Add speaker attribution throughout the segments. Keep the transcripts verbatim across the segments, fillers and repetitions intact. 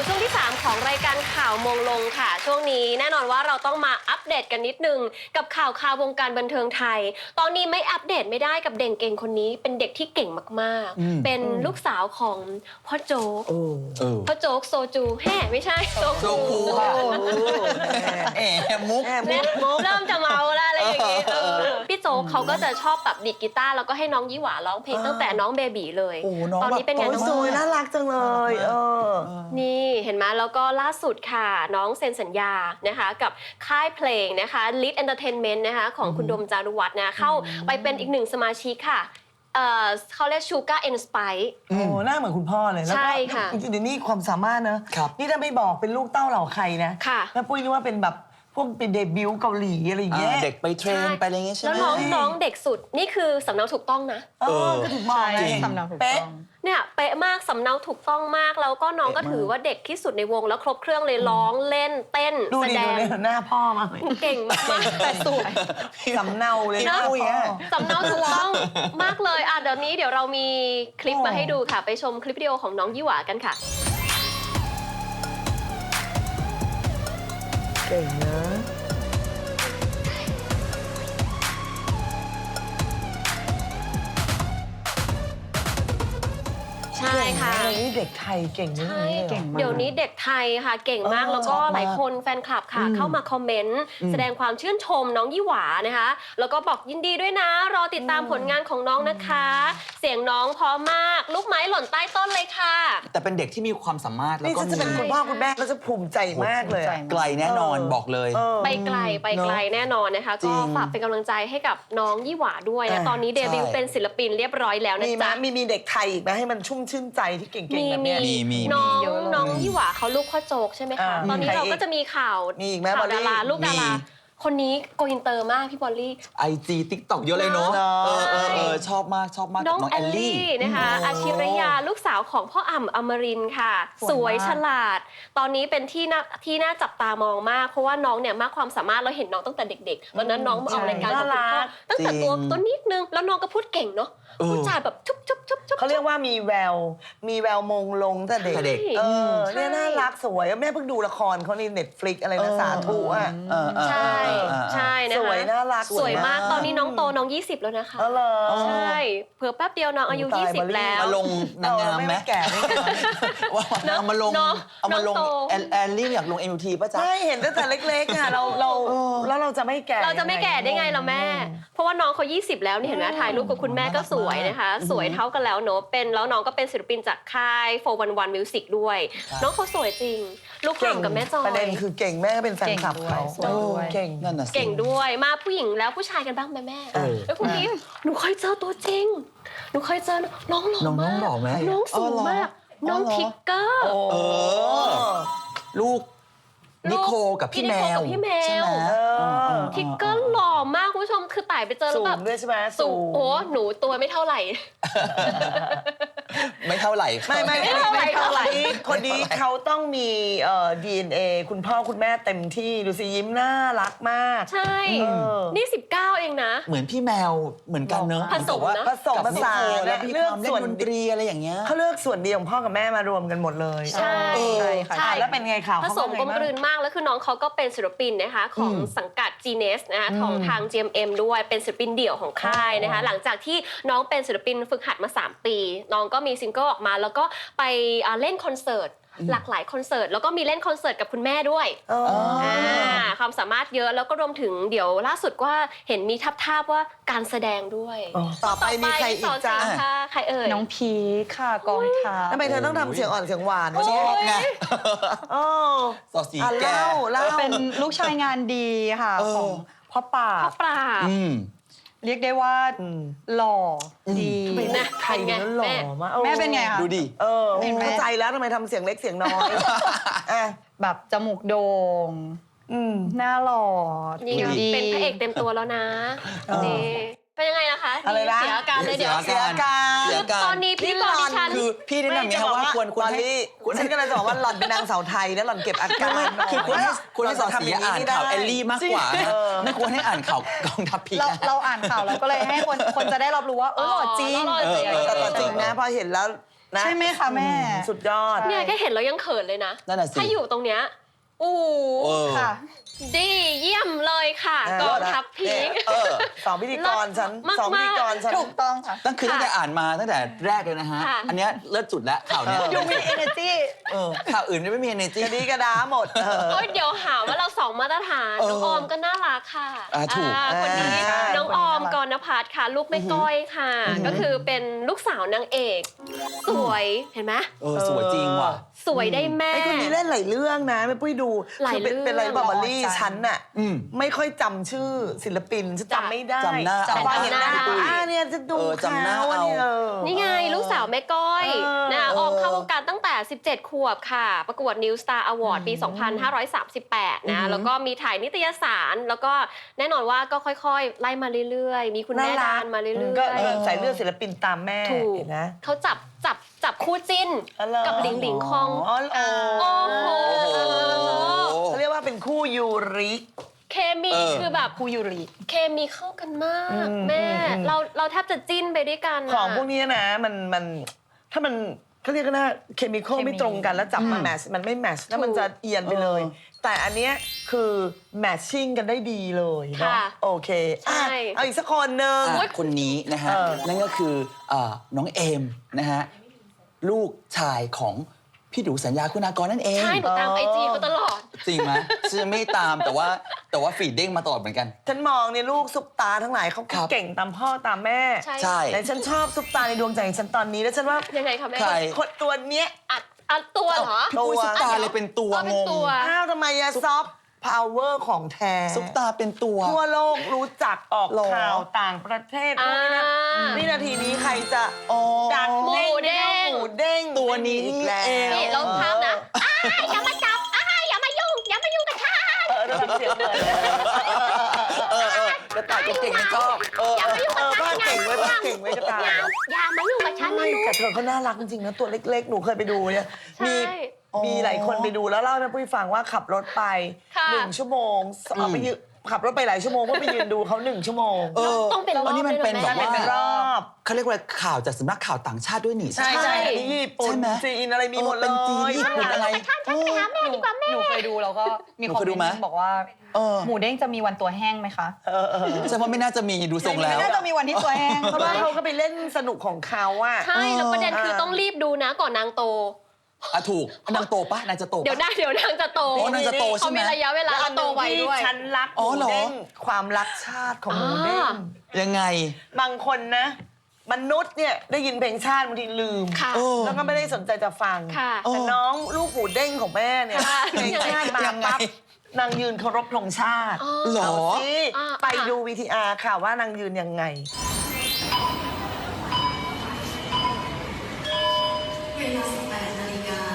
Speaker 1: ช่วงที่สามของรายการข่าวมงลงค่ะช่วงนี้แน่นอนว่าเราต้องมาอัปเดตกันนิดนึงกับข่าวข่าววงการบันเทิงไทยตอนนี้ไม่อัปเดตไม่ได้กับเด็กเก่งคนนี้เป็นเด็กที่เก่งมากๆเป็นลูกสาวของพ่อโจ๊กพ่อโจ๊กโซจูแฮ่ไม่ใช่โจ๊กคู
Speaker 2: แอบมุก
Speaker 1: เริ่มจะเมาแล้วอะไรอย่างงี้พี่โจ๊กเขาก็จะชอบแบบดีดกีตาร์แล้วก็ให้น้องยี่หวาร้องเพลงตั้งแต่น้องเบบีเลยตอนนี้เป็นไงน้อง
Speaker 3: สวยน่ารักจังเลยเออ
Speaker 1: นี่เห็นไหมแล้วก็ล่าสุดค่ะน้องเซ็นสัญญานะคะกับค่ายเพลงนะคะ Lead Entertainment นะคะของคุณดมจารุวัฒน์นะเข้าไปเป็นอีกหนึ่งสมาชิกค่ะเอ่อเขาเรียก Sugar and Spice
Speaker 3: โอ้หน้าเหมือนคุณพ่อเลย
Speaker 1: ใช่ค่ะ
Speaker 3: จริงๆเดี๋ยวนี้ความสามารถนะนี่ถ้าไม่บอกเป็นลูกเต้าเหล่าใครนะแม่ปุ้ยนึกว่าเป็นแบบพวกเป็นเดบิวต์เกาหลีอะไรอย่างเงี้ย
Speaker 2: เด็กไปเทรนไปอะไรเงี้ยใช่ไหม
Speaker 1: แล้วน้องน้องเด็กสุดนี่คือสำเนาถูกต้องนะ
Speaker 3: เออก็ถูกมองไง
Speaker 4: สำเนาถูกต้อง
Speaker 1: เนี่ยเป๊ะมากสำเนาถูกต้องมากแล้วก็น้องก็ถือว่าเด็กที่สุดในวงแล้วครบเครื่องเลยร้องเล่นเต้นแสดง
Speaker 3: หน้าพ่อมาก
Speaker 1: เก่งมาก
Speaker 4: แต่สวย
Speaker 3: สำเนาเลยนะ
Speaker 1: สำเนาถูกต้องมากเลยอ่ะเดี๋ยวนี้เดี๋ยวเรามีคลิปมาให้ดูค่ะไปชมคลิปวิดีโอของน้องยี่หวากันค่ะ
Speaker 3: เก่งนะ
Speaker 1: ใช่ค่ะ
Speaker 3: เดี๋ยวนี้เด็กไทยเก่งมาก
Speaker 1: เดี๋ยวนี้เด็กไทยค่ะเก่งมากแล้วก็หลายคนแฟนคลับค่ะเข้ามาคอมเมนต์แสดงความชื่นชมน้องยี่หวานะคะแล้วก็บอกยินดีด้วยนะรอติดตามผลงานของน้องนะคะเสียงน้องเพราะมากลูกไม้หล่นใต้ต้นเลยค่ะ
Speaker 2: แต่เป็นเด็กที่มีความสามารถแล้วก็
Speaker 3: จะเป็นคุณพ่อคุณแม่ก็จะภูมิใจมากเลย
Speaker 2: ไกลแน่นอนบอกเลย
Speaker 1: ไปไกลไปไกลแน่นอนนะคะก็ฝากเป็นกำลังใจให้กับน้องยี่หวาด้วยนะตอนนี้เดบิวต์เป็นศิลปินเรียบร้อยแล้วนะจ๊ะ
Speaker 3: มีมีเด็กไทยอีกไหมให้มันชุ่มชื่นใจที่เก่งๆแบบนี้
Speaker 1: น้องน้องยี่หวาเขาลูกพ่อโจ๊กใช่ไหมคะตอนนี้เราก็จะมีข่าวข่าวดาราลูกดาราคนนี้โกอินเตอร์มากพี่บอลลี่
Speaker 2: ไอจีติ๊กต็อกเยอะเลยเนาะเออเออเออชอบมากชอบมาก
Speaker 1: น้องแอลลี่นะคะอาชิรยาลูกสาวของพ่ออ่ำอมรินทร์ค่ะสวยฉลาดตอนนี้เป็นที่น่าที่น่าจับตามองมากเพราะว่าน้องเนี่ยมากความสามารถเราเห็นน้องตั้งแต่เด็กๆตอนนั้นน้องมาออกรายการกับคุณพ่อตั้งแต่ตัวตัวนิดนึงแล้วน้องก็พูดเก่งเนาะพูดจาแบบชุบชุบชุบชุบ
Speaker 3: เขาเรียกว่ามีแววมีแววมงลงแต่เด็กเออเนี่ยน่ารักสวยแม่เพิ่งดูละครเขาใน Netflix อะไรนะสาธุอ่ะ
Speaker 1: ใช่ใช่นะคะ
Speaker 3: สวยน่ารัก
Speaker 1: สวยมากตอนนี้น้องโตน้องยี่สิบแล้วนะคะใช่เผื่อแป๊บเดียวน้องอายุยี่สิบแล้ว
Speaker 2: มาลงนางงามไหม
Speaker 3: แก่
Speaker 2: ว่าเอามาลงเอามาลงแอลลี่อยากลง เอ็ม ยู ที ป่ะจ๊ะ
Speaker 3: ไม่เห็นตั้งแต่เล็กๆอ่ะเราเราแล้วเราจะไม่แก่
Speaker 1: เราจะไม่แก่ได้ไงล่ะแม่เพราะว่าน้องเขายี่สิบแล้วนี่เห็นไหมถ่ายรูปกับคุณแม่ก็สวยนะคะสวยเท่ากันแล้วเนอะเป็นแล้วน้องก็เป็นศิลปินจากค่ายโฟร์วันวันมิวสิกด้วยน้องเขาสวยจริงลูกหลานกับแม่จอย
Speaker 3: ประเด็นคือเก่งแม่ก็เป็นแฟนคลับเขาเก่ง
Speaker 2: นั่นน่ะ
Speaker 1: เก่งด้วยมาผู้หญิงแล้วผู้ชายกันบ้างไหมแม่แล้วคุณนี้หนูเคยเจอตัวจริงหนูเคยเจอน้องหล่อมากน้องสูงมากน้องทิกเกอร์
Speaker 2: ลูกนิโคกับพี่แมว
Speaker 1: พี่แมวทิกเกอร์หล่อมากคุณผู้ชมคือไต่ไปเจอแล้วแบบ
Speaker 3: สูงด้วยใช่ไหม
Speaker 1: สูงโอ้หนูตัวไม่เท่าไหร่
Speaker 2: ไม่เท่าไหร่
Speaker 3: ไม่ไม่ไม่เท่าไหร่คนนี้เขาต้องมีเอ่อ ดี เอ็น เอ คุณพ่อคุณแม่เต็มที่ดูสิยิ้มน่ารักมาก
Speaker 1: ใช่นี่สิบเก้าเองนะ
Speaker 2: เหมือนพี่แมวเหมือนกันเนอะ
Speaker 1: ผสมนะ
Speaker 3: ผสมผสานและ
Speaker 2: เลือกส่วนดนตรีอะไรอย่างเงี้ย
Speaker 3: เขาเลือกส่วนดีของพ่อกับแม่มารวมกันหมดเลย
Speaker 1: ใช่
Speaker 3: ใช่แล้วเป็นไงข่าว
Speaker 1: ผสมกลมกลืนมากแล้วคือน้องเขาก็เป็นศิลปินนะคะของสังกัด จี เนส นะคะของทาง จี เอ็ม เอ็ม ด้วยเป็นศิลปินเดี่ยวของค่ายนะคะหลังจากที่น้องเป็นศิลปินฝึกหัดมาสามปีน้องก็มีซิงเกิลออกมาแล้วก็ไปเล่นคอนเสิร์ตหลากหลายคอนเสิร์ตแล้วก็มีเล่นคอนเสิร์ตกับคุณแม่ด้วยความสามารถเยอะแล้วก็รวมถึงเดี๋ยวล่าสุดว่าเห็นมีทับทาบว่าการแสดงด้วย
Speaker 3: ต่อไปมีใครอีกจ้า
Speaker 1: ใครเอ่ย
Speaker 4: น้องพีค่ะกองทัพ
Speaker 3: ทำไมเธอต้องทำเสียงอ่อนเสียงหวาน
Speaker 2: ชอบไง
Speaker 3: สอดสีแก้ว
Speaker 4: เป็นลูกชายงานดีค่ะของพ่อป่า
Speaker 1: พ่อป่า
Speaker 4: เรียกได้ว่าหล่อดี
Speaker 1: นะ
Speaker 3: ไทยนี่หล่อมาก
Speaker 4: แม่เป็นไงคะ
Speaker 2: ดูดิ
Speaker 3: เออเข้าใจแล้วทำไมทำเสียงเล็กเสียงน้อย
Speaker 4: แบบจมูกโด่งหน้าหล่อ
Speaker 1: ดีเป็นพระเอกเต็มตัวแล้วนะนี่เป็นยังไงนะคะ
Speaker 3: อะไรนะ
Speaker 1: เสียอาการเลยเดี๋ยว
Speaker 3: เสียอาการ
Speaker 1: ตอนนี้พี่บอกดิฉัน
Speaker 2: คือพี่แนะนำไงว่าควรควรให้
Speaker 3: ฉันก็เลยบอกว่าหล่อนเป็นนางสาวไทยแล้วหล่อนเก็บอาการ
Speaker 2: คือควรให้ควรให้สอนเสียอ่านข่าวแอลลี่มากกว่าไม่ควรให้อ่านข่าวกองทัพพี
Speaker 4: เราเราอ่านข่าวเราก็เลยให้คนคนจะได้รับรู้ว่าเออหล่อจริง
Speaker 3: แต่ต่อจริงนะพอเห็นแล้วนะ
Speaker 4: ใช่ไหมคะแม่
Speaker 3: สุดยอด
Speaker 1: เนี่ยแค่เห็นแล้วยังเขินเลยนะ
Speaker 2: นั่นน่ะสิ
Speaker 1: ถ้าอยู่ตรงเนี้ยอู้
Speaker 2: เออ
Speaker 4: ค่ะ
Speaker 1: ดีเยี่ยมเลยค่ะ
Speaker 3: เออ
Speaker 1: กองทัพพีค
Speaker 2: เออ
Speaker 3: สองพิธีกรฉัน
Speaker 1: มากๆ
Speaker 3: สองพิธีกรฉัน
Speaker 4: ถูกต้องค่ะ
Speaker 2: ตั้งคือตั้งแต่อ่านมาตั้งแต่แรกเลยนะฮะ
Speaker 1: ค่ะ
Speaker 2: อันเนี้ยเลิศจุดแล้วข่าวเนี้ย
Speaker 3: เออ
Speaker 4: ดูมี energy
Speaker 2: เออข่าวอื่นไม่มี energy
Speaker 3: กระดีกระดาหมดเออ
Speaker 1: โอ๊ยเดี๋ยวหาว่าเราสองมาตรฐาน
Speaker 2: เออ
Speaker 1: น้องออมก็น่ารักค่ะ
Speaker 2: อ่าถูก
Speaker 1: อ่าคนนี้
Speaker 3: ใช่
Speaker 1: น้องออมกรณพัฒน์ค่ะ ลูกแม่ก้อยค่ะ ก็คือเป็นลูกสาวนางเอก สวยเห็นไหม
Speaker 2: เออสวยจริงว่ะ
Speaker 1: สวยได้แม่
Speaker 3: ไอ้คนนี้เล่นหลายเรื่องนะไม่ปุ้ยดู
Speaker 1: หลาย
Speaker 3: คืเป็น
Speaker 1: เรื่อง
Speaker 3: เป็นอะไรบอกมาลี่
Speaker 4: หล่อจัง
Speaker 3: ฉันน่ะ
Speaker 2: อืม
Speaker 3: ไม่ค่อยจำชื่อศิลปินฉัน
Speaker 1: จ้ะ
Speaker 3: จำไม่ได้
Speaker 2: จำหน้า
Speaker 3: จำว่าเห็นหน้า
Speaker 1: จำหน้า
Speaker 3: อ่าเนี่ยจะดู
Speaker 2: เออจำหน้า
Speaker 3: เขาอันนี้
Speaker 2: เอา
Speaker 3: เออ
Speaker 1: นี่ไงลูกสาวแม่ก้อย
Speaker 3: เออ
Speaker 1: นะคะ
Speaker 3: เออ
Speaker 1: ออมเข้าวงการตั้งแต่ สิบเจ็ด ขวบค่ะ ประกวด New Star Award ปี สองพันห้าร้อยสามสิบแปด นะ แล้วก็มีถ่ายนิตยสาร แล้วก็แน่นอนว่าก็ค่อยๆ ไล่มาเรื่อยๆ มีคุณแม่ดานมาเรื่
Speaker 3: ก็
Speaker 1: อย
Speaker 3: เออใส่เลือดศิลปินตามแม่
Speaker 1: ๆ ถูก
Speaker 3: เห็นนะ
Speaker 1: เขาจับจับจับคู่จิ้น
Speaker 3: อ๋อเหรอ
Speaker 1: กับหลิงหลิงคอง
Speaker 3: อ๋อโอ้
Speaker 1: โอ้โห
Speaker 3: เขาเรียกว่าเป็นคู่ยูริ
Speaker 1: เคมี
Speaker 2: เออ
Speaker 1: คือแบบ
Speaker 4: คูยูริ
Speaker 1: เคมีเข้ากันมาก
Speaker 3: อืม
Speaker 1: แม่
Speaker 3: อืมอืม
Speaker 1: เราเราแทบจะจิ้นไปด้วยกัน
Speaker 3: ของพวก
Speaker 1: อะ
Speaker 3: นี้นะมันมันถ้ามันเขาเรียกกันนะเคมีคอล
Speaker 4: เคมี
Speaker 3: ไม่ตรงกันแล้วจับมาแมทช์มันไม่แมทช์แล้วมันจะเอียนไปเลย
Speaker 2: เออ
Speaker 3: แต่อันเนี้ยคือแมทชิ่งกันได้ดีเลยเนาะ
Speaker 1: ค่ะ
Speaker 3: โอเคอ่ะ
Speaker 1: ใช่
Speaker 3: เอาอีกสักคนหนึ่ง
Speaker 2: อ่ะคนนี้นะฮะ
Speaker 3: เออ
Speaker 2: นั่นก็คือเอ่อน้องเอมนะฮะลูกชายของพี่ดูสัญญาคุณากรนั่นเอง
Speaker 1: ใช่หนูตามไอจีเขาตลอด
Speaker 2: จริงไหมฉันไม่ตามแต่ว่าแต่ว่าฟีดเด้งมาตลอดเหมือนกัน
Speaker 3: ฉันมองเนี่ยลูกซุปตาทั้งหลายเขา
Speaker 2: ครับ
Speaker 3: เก่งตามพ่อตามแม่
Speaker 1: ใช่
Speaker 2: ใช่
Speaker 3: แต่ฉันชอบซุปตาในดวงใจของฉันตอนนี้แล้วฉันว่า
Speaker 1: ยังไงคะแม่
Speaker 2: ใคร
Speaker 3: คนตัวเนี้ย
Speaker 1: อัดอัดตัวเหรอ
Speaker 2: พี่ปุ้ยซุปตาเลยเป็นตัว
Speaker 1: เอาเป็
Speaker 2: ง
Speaker 1: น
Speaker 2: ง
Speaker 1: ตัว
Speaker 3: อ้าวทำไมอะซอฟต์พาวเวอร์ของแท้
Speaker 2: ซุปตาเป็นตัว
Speaker 3: ทั่วโลกรู้จักออก
Speaker 2: หรอ
Speaker 3: ข่าวต่างประเทศ
Speaker 1: อ่า
Speaker 3: นู่นนี่นะวินาทีนี้ใครจะ
Speaker 2: อ๋อ
Speaker 3: ดักเด้ง
Speaker 1: หมูเด้ง
Speaker 3: หมูเด้ง
Speaker 2: ตัวนี้
Speaker 3: อีกแล้ว
Speaker 2: เอง
Speaker 1: นี่เราภาพนะอ้ายอย่ามาจับอ้ายอย่ามายุ่ง อย่ามายุ่งกับฉัน
Speaker 3: เออระดับเสียงเลย
Speaker 2: เออเออกระต่ายเก่งๆชอบเออ
Speaker 1: อย่ามายุ่ง
Speaker 3: เอ
Speaker 1: กับ
Speaker 3: อ
Speaker 1: ฉั
Speaker 3: บ้าน เก่งไว้ยบ้านเก่งไว้ยกระต่าย
Speaker 1: อย่าอย่ามายุ่งกับฉันนะ
Speaker 3: ไม่
Speaker 1: ลูก
Speaker 3: แต่เธอเขาน่ารักจริงๆนะตัวเล็กๆ หนูเคยไปดูเนี่ย
Speaker 1: ใช่
Speaker 3: มีมีหลายคนไปดูแล้วเล่าให้แม่ปุ้ยฟังว่าขับรถไป
Speaker 1: ค่ะ
Speaker 3: หนึ่งชั่วโมงเอาไปยืนขับรถไปหลายชั่วโมงเพื่อไปยืนดูเขาหนึ่งชั่วโมง
Speaker 2: เออ
Speaker 1: ต้องเป็นรอบ
Speaker 2: อันนี้มันเป็น
Speaker 1: ด้วย
Speaker 2: แบ
Speaker 1: เหรอแม่
Speaker 2: บว่า
Speaker 3: เป็นรอบ
Speaker 2: เขาเรียกว่าข่าวจากสำนักข่าวต่างชาติด้วยนี่
Speaker 3: ใช่ใช่อันนี้ญี่ปุ่น
Speaker 2: ใช่ไหม
Speaker 3: จีนอะไรมีหมดเลย
Speaker 2: เป็นจีนญี่ปุ่นอะไร
Speaker 1: ฉันฉันไปหาแม่ดีกว่าแม่
Speaker 4: หนูเคยดูแล้วก็มี
Speaker 2: หนู
Speaker 4: คอม
Speaker 2: เคยดู
Speaker 4: เม
Speaker 2: ไหม
Speaker 4: นต์บอกว่า
Speaker 2: เออ
Speaker 4: หมูเด้งจะมีวันตัวแห้งไหมคะ
Speaker 3: เออเออ
Speaker 2: ฉันว่าไม่น่าจะมีดูทรงแล้ว
Speaker 4: น่าจะมีวันที่ตัวแห้ง
Speaker 3: เพราะว่าเขาก็ไปเล่นสนุกของเขาอะ
Speaker 1: ใช่ แล้วประเด็นคือ
Speaker 3: เออ
Speaker 1: ต้องรีบดูนะก่อนนางโต
Speaker 2: อ่ะถูกนางโตปะนางจะโตปะ
Speaker 1: เดี๋ยวนะเดี๋ยวนางจะโต
Speaker 2: อ๋อนางจะโตใช่ไหม
Speaker 1: เขามีระยะเวลา
Speaker 3: แล้วอั
Speaker 1: เขา
Speaker 3: นห
Speaker 1: โต
Speaker 3: นึ่ง
Speaker 1: ไว
Speaker 3: ที่
Speaker 1: ด้วย
Speaker 3: ฉันรักห
Speaker 2: อ๋อ
Speaker 3: มู
Speaker 2: เหรอ
Speaker 3: เด้งความรักชาติของหมูเด้ง
Speaker 1: อ่า
Speaker 2: ยังไง
Speaker 3: บางคนนะ มนุษย์เนี่ยได้ยินเพลงชาติบางทีลืม
Speaker 1: ค่ะ
Speaker 2: เออ
Speaker 3: แล้วก็ไม่ได้สนใจจะฟัง
Speaker 1: ค่ะ
Speaker 3: แต่น้องลูกหมูเด้งของแม่เนี่ย
Speaker 1: ค่ะ
Speaker 3: เพลงชาติมา
Speaker 2: ยังไง
Speaker 3: ปั๊บนางยืนเคารพธงชาติ
Speaker 1: อ๋อ
Speaker 2: หรอ
Speaker 3: เอาสิ
Speaker 1: อ่า
Speaker 3: ไปดู วี ที อาร์ ค่ะว่านางยืนยังไง
Speaker 5: เวลาสิบแปดนาฬิกา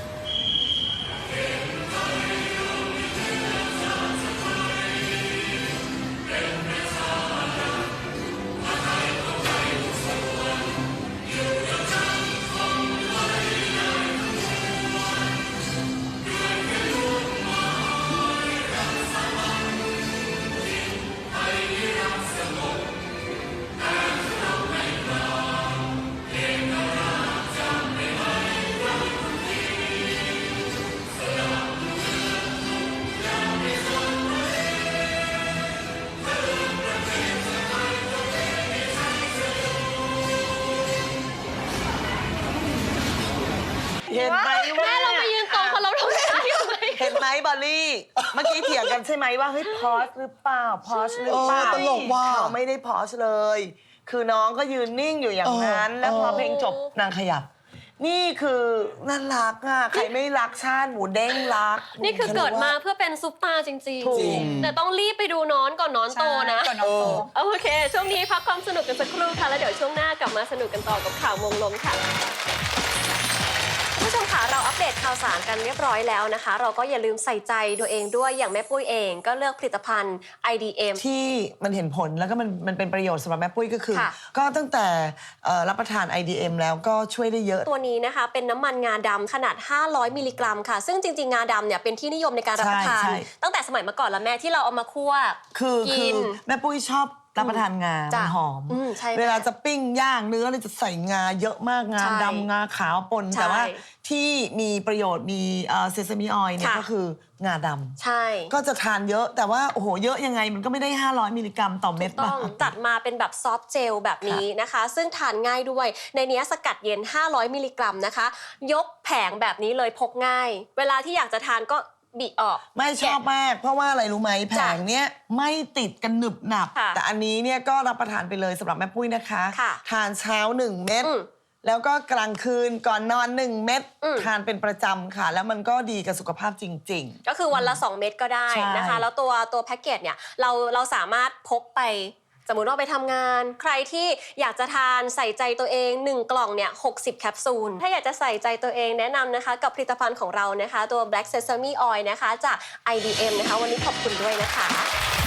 Speaker 3: เห็นไหมว่า
Speaker 1: แม่เราไปยืนตรงเขาเราทำได้ไหม
Speaker 3: เห็นไหมบอลลี่ เมื่อกี้เถียงกันใช่ไหมว่าเฮ้ยพอสหรือเปล่าพอสหรือเปล่า
Speaker 2: เออตลกว่ะ
Speaker 3: เขาไม่ได้พอสเลย คือน้องก็ยืนนิ่งอยู่อย่างนั้น
Speaker 2: เออ
Speaker 3: แล้วพอ
Speaker 2: เออ
Speaker 3: เพลงจบนางขยับ นี่คือน่ารักอ่ะใครไม่รักชาติหมูเด้งรัก
Speaker 1: นี่คือเกิดมาเพื่อเป็นซุปตาร์จริง
Speaker 3: ถูก
Speaker 2: จริง
Speaker 1: ๆ แต่ต้องรีบไปดูน้อนก่อนน้อนโตนะ
Speaker 4: ก่อนนอนโต
Speaker 1: โอเค ช่วงนี้พักความสนุกกันสักครู่ค่ะ แล้วเดี๋ยวช่วงหน้ากลับมาสนุกกันต่อกับข่าวมงลงค่ะคุณผู้ชมค่ะเราอัปเดตข่าวสารกันเรียบร้อยแล้วนะคะ เราก็อย่าลืมใส่ใจตัวเองด้วยอย่างแม่ปุ้ยเองก็เลือกผลิตภัณฑ์ ไอ ดี เอ็ม
Speaker 3: ที่มันเห็นผลแล้วก็มันมันเป็นประโยชน์สำหรับแม่ปุ้ยก็คือ
Speaker 1: ค่ะ
Speaker 3: ก็ตั้งแต่เอ่อรับประทาน ไอ ดี เอ็ม แล้วก็ช่วยได้เยอะ
Speaker 1: ตัวนี้นะคะเป็นน้ำมันงาดำขนาด ห้าร้อย มิลลิกรัมค่ะ ซึ่งจริง ๆ งาดำเนี่ยเป็นที่นิยมในการรับประทาน
Speaker 3: ใช่ใช่
Speaker 1: ตั้งแต่สมัยเมื่อก่อนแล้วแม่ที่เราเอามาคั่ว
Speaker 3: คือคื
Speaker 1: กิ
Speaker 3: อน แม่ปุ้ยชอบรับประทานงา
Speaker 1: จ้ะ
Speaker 3: มันหอม
Speaker 1: อืมใช่
Speaker 3: เวลาจะปิ้งย่างเนื้อเนี่ยจะใส่งาเยอะมากงา
Speaker 1: ใช่
Speaker 3: ดำงาขาวปน
Speaker 1: ใช่
Speaker 3: แต่ว่าที่มีประโยชน์มีเซซามิออยล์เนี่ย
Speaker 1: ค่ะ
Speaker 3: ก็คืองาดำ
Speaker 1: ใช่
Speaker 3: ก็จะทานเยอะแต่ว่าโอ้โหเยอะยังไงมันก็ไม่ได้ ห้าร้อย มิลลิกรัมต่อเม็ด
Speaker 1: ต้อง
Speaker 3: ป่ะ
Speaker 1: จัดมาเป็นแบบซอฟต์เจลแบบนี้นะคะ ซึ่งทานง่ายด้วยในนี้สกัดเย็น ห้าร้อย มิลลิกรัมนะคะ ยกแผงแบบนี้เลยพกง่าย เวลาที่อยากจะทานก็บิออก
Speaker 3: ไม่ชอบมาก เพราะว่าอะไรรู้ไหมแผ
Speaker 1: จ้ะ
Speaker 3: งเนี้ยไม่ติดกันหนึบหนับ
Speaker 1: ค่ะ
Speaker 3: แต่อันนี้เนี่ยก็รับประทานไปเลยสำหรับแม่ปุ้ยนะคะ
Speaker 1: ค่ะ
Speaker 3: ทานเช้าหนึ่งเม็ด
Speaker 1: อืม
Speaker 3: แล้วก็กลางคืนก่อนนอนหนึ่งเม็ด
Speaker 1: อืม
Speaker 3: ทานเป็นประจำค่ะ แล้วมันก็ดีกับสุขภาพจริง
Speaker 1: ก็คือวันละ สอง เม็ดก็ได้นะคะ
Speaker 3: ใช่
Speaker 1: แล้วตัวตัวแพ็กเกจเนี่ยเราเราสามารถพกไป สมมุติว่าไปทำงาน ใครที่อยากจะทานใส่ใจตัวเองหนึ่งกล่องเนี่ยหกสิบแคปซูลถ้าอยากจะใส่ใจตัวเองแนะนำนะคะกับผลิตภัณฑ์ของเรานะคะตัว Black Sesame Oil นะคะจาก ไอ ดี เอ็ม นะคะวันนี้ขอบคุณด้วยนะคะ